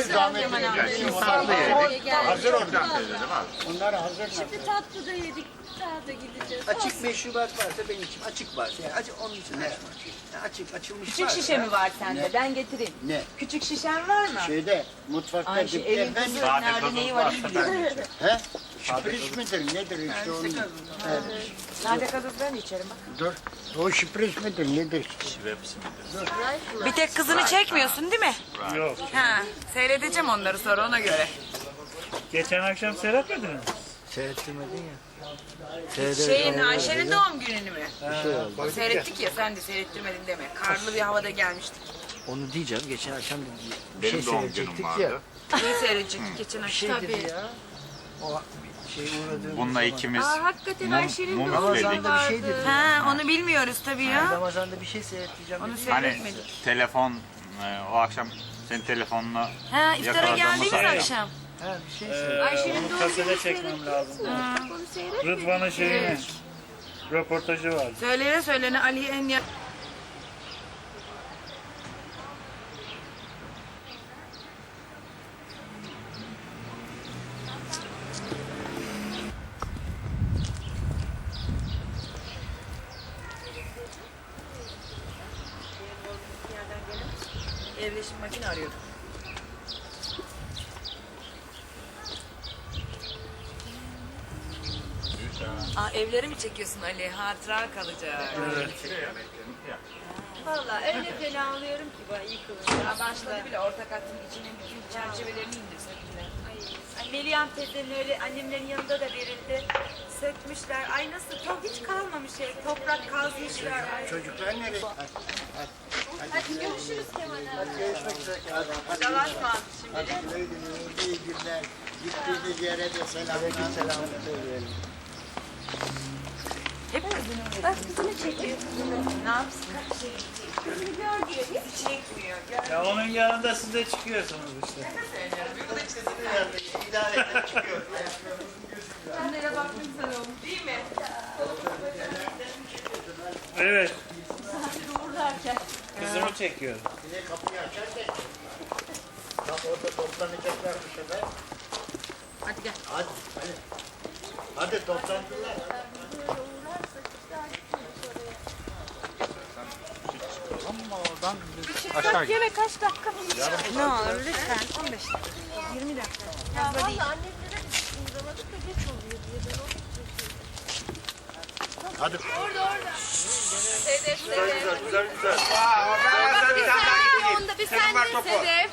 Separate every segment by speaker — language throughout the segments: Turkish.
Speaker 1: zahmet değil. Hazır oradan teyze değil mi abi?
Speaker 2: Onlar hazır.
Speaker 3: Şimdi tatlı da yedik. Daha da gideceğiz.
Speaker 2: Açık meşrubat varsa benim için açık varsa yani onun için açma. Açık açılmış
Speaker 4: Küçük
Speaker 2: varsa.
Speaker 4: şişe mi var sende? Ben getireyim.
Speaker 2: Ne?
Speaker 4: Küçük şişen var mı?
Speaker 2: Şeyde mutfakta
Speaker 4: Ayşe
Speaker 2: dipte
Speaker 4: evin
Speaker 2: ben
Speaker 4: kızı nerede neyi var iyi biliyor.
Speaker 2: he? Şüpriz midir nedir işte onun? Evet.
Speaker 4: Sade gazoz ben de içerim bak.
Speaker 2: Dur. O şüpriz midir nedir?
Speaker 4: Bir tek kızını çekmiyorsun değil mi?
Speaker 5: Yok.
Speaker 4: Ha, seyredeceğim onları sonra ona göre.
Speaker 5: Geçen akşam seyretmedin mi?
Speaker 2: Seyrettirmedin ya.
Speaker 4: Şeyin Ayşe'nin doğum gününü mü?
Speaker 2: şey oldu.
Speaker 4: Seyrettik ya sen de seyrettirmedin deme. Karlı bir havada gelmiştik.
Speaker 2: Onu diyeceğim geçen akşam bir
Speaker 1: Benim
Speaker 2: şey
Speaker 1: doğum günüm
Speaker 2: seyredecektik
Speaker 1: vardı.
Speaker 2: ya.
Speaker 4: Neyi seyredecektik geçen akşam?
Speaker 2: Şey dedi ya. O şey uğradığımız
Speaker 1: Bununla ikimiz
Speaker 4: Hakikaten Ayşe'nin
Speaker 1: mum
Speaker 4: doğum
Speaker 1: üfledik.
Speaker 4: günü
Speaker 2: Ramazan'da bir şey
Speaker 4: vardı.
Speaker 2: dedi.
Speaker 4: Ha, onu bilmiyoruz tabii ya.
Speaker 2: Ramazan'da bir şey seyrettireceğim.
Speaker 4: Onu
Speaker 2: dedi.
Speaker 1: Hani
Speaker 4: seyretmedik.
Speaker 1: telefon o akşam senin telefonla
Speaker 4: Ha, iftara
Speaker 1: yakaladığımız
Speaker 4: geldiniz
Speaker 1: akşam.
Speaker 4: akşam.
Speaker 2: Ha bir şey seyrettireceğim.
Speaker 5: Onu kasete çekmem lazım. Rıdvan'ın şeyini. Röportajı var.
Speaker 4: Söylene Ali'ye en yakın. Evleşim makine arıyordum. Aa, evleri mi çekiyorsun Ali? Hatıra kalacak.
Speaker 3: Valla öyle fena alıyorum ki ben iyi kılıyor.
Speaker 4: Ya başladı bile ortak hattın içinin bütün çerçevelerini indirse bile.
Speaker 3: Ay, Meryem teyzenin öyle annemlerin yanında da verildi. Sökmüşler. Ay nasıl hiç kalmamış ev. Toprak kazmışlar. Ay.
Speaker 2: Çocuklar nereye?
Speaker 3: Hadi görüşürüz Kemal abi.
Speaker 2: Görüşmek üzere. Hadi
Speaker 4: Dalaşma
Speaker 2: Hadi güle güle, iyi günler. Gittiğiniz yere de selamlar. Selamlar söyleyelim.
Speaker 3: Bak kızını çekiyor.
Speaker 4: Ne yapsın? Bizi çekmiyor.
Speaker 5: Ya onun yanında siz de çıkıyorsunuz işte.
Speaker 4: Annene baktım sen olmuş değil mi?
Speaker 5: Evet. Kızımı çekiyor.
Speaker 2: Bir de kapıyı açarken. Tam orada toplanacaklar bu sefer.
Speaker 4: Hadi gel.
Speaker 2: Hadi. Hadi toplantılar.
Speaker 3: Bak yine kaç dakika mı?
Speaker 4: Ne olur lütfen 15 dakika. 20 dakika.
Speaker 3: Ya valla annemlere uğramadık da geç oluyor diye ben onu
Speaker 2: Hadi.
Speaker 3: Sedef, Sedef.
Speaker 1: Güzel. Oradan bir tane daha gideyim.
Speaker 3: Onda bir
Speaker 1: Senin
Speaker 3: sen
Speaker 1: var
Speaker 3: de
Speaker 1: topu.
Speaker 3: Sedef.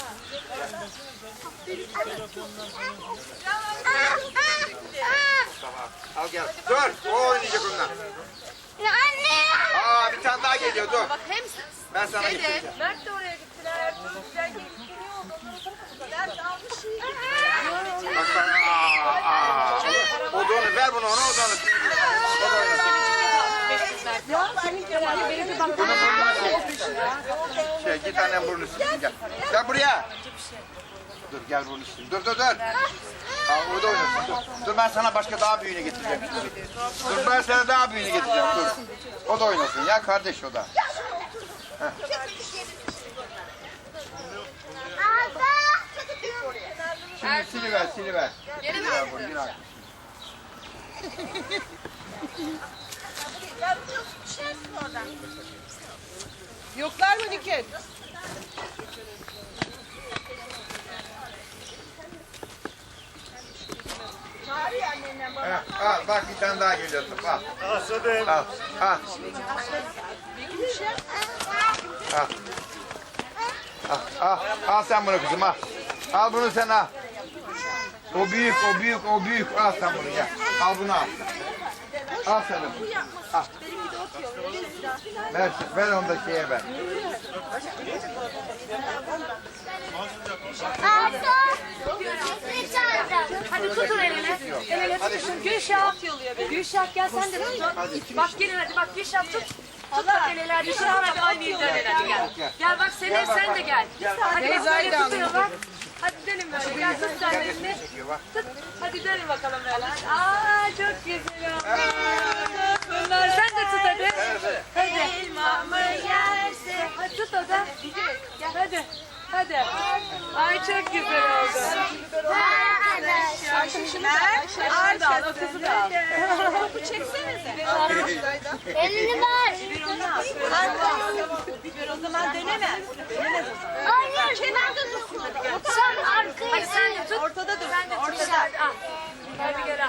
Speaker 1: Al gel. Dur. O oynayacak onunla.
Speaker 3: Anne!
Speaker 1: Aa bir tane daha geliyor dur.
Speaker 3: Bak hem
Speaker 1: Ben sana getireceğim.
Speaker 3: Sedef, Mert de oraya gittiler. Ertuğrul geliyor. Mert almış şeyi.
Speaker 1: Bak bak. Aa. O da onu ver bunu ona o da onu. O da oynasın. Git annem burnu silsin gel. Gel buraya. Dur gel burnu silsin. Dur. Aa, o da oynasın dur. Dur ben sana başka daha büyüğünü getireceğim. Dur ben sana daha büyüğünü getireceğim dur. O da oynasın ya kardeş o da. Şimdi siliver. Siliver bunu yine.
Speaker 4: Yoklar mı Nükhet?
Speaker 1: Al bak bir tane daha geliyor top al.
Speaker 5: Asadım.
Speaker 1: Al. Al sen bunu kızım al. Al bunu sen al. O büyük. Al sen bunu gel. Al bunu al. Al sen onu. Al. Ver onu da şeye ver.
Speaker 3: Hadi tutun elini. El ele tutun. Gülşah. Gülşah gel sen de tut. Bak gelin hadi bak Gülşah tut. Tut bak el ele hadi. Gülşah hadi oynayın dönelim hadi gel. Gel bak Selin sen de gel. Hadi bak böyle tutuyor bak. Hadi dönün böyle gel tut sen elini. Tut. Hadi dönün bakalım böyle. Aa çok güzel oldu. Bunlar sen de tut hadi. Hadi. Elmamı yerse. Hadi tut o da. Gel hadi. Hadi. Ay çok güzel oldu. Arkadaşlar da al, o kızı da al. Topu çeksenize.
Speaker 6: Elini ver.
Speaker 3: O zaman deneme.
Speaker 6: Hayır, ben de dursun. Sen arkaya.
Speaker 3: Hadi sen de tut. Ortada dur. Sen de tut. Ortada. Al. Hadi gel al.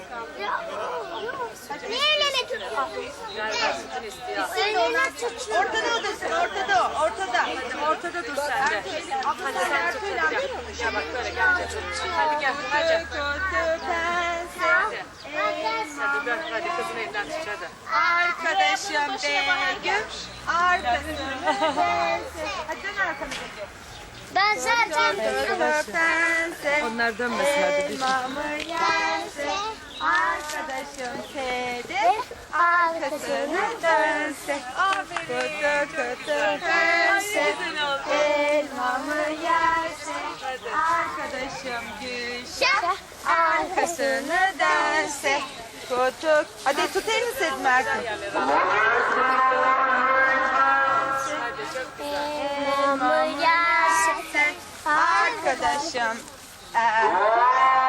Speaker 6: Niye elini tutuyorsun?
Speaker 3: Galiba sütün istiyor.
Speaker 6: Elini tut.
Speaker 3: Ortada dursun, ortada o, ortada. Hadi ortada dur sen de. Hadi sen tut, hadi gel. Gel bak böyle gel. Hadi gel, hadi. Hadi. Hadi dön, hadi kızın elinden tut hadi.
Speaker 7: Arkadaşım Begüm, arkadaşım. Hadi dön arkanı Begüm.
Speaker 6: Ben zaten
Speaker 7: Pense,
Speaker 3: Onlar dönmesin hadi.
Speaker 7: elmamı yerse, arkadaşım Sedef, arkasını dönse. Kutu kutu pense, elmamı yerse, arkadaşım Gülşah, arkasını dönse. Kutu, hadi tut elini Sedim Erkan.
Speaker 6: elmamı yerse
Speaker 7: Arkadaşım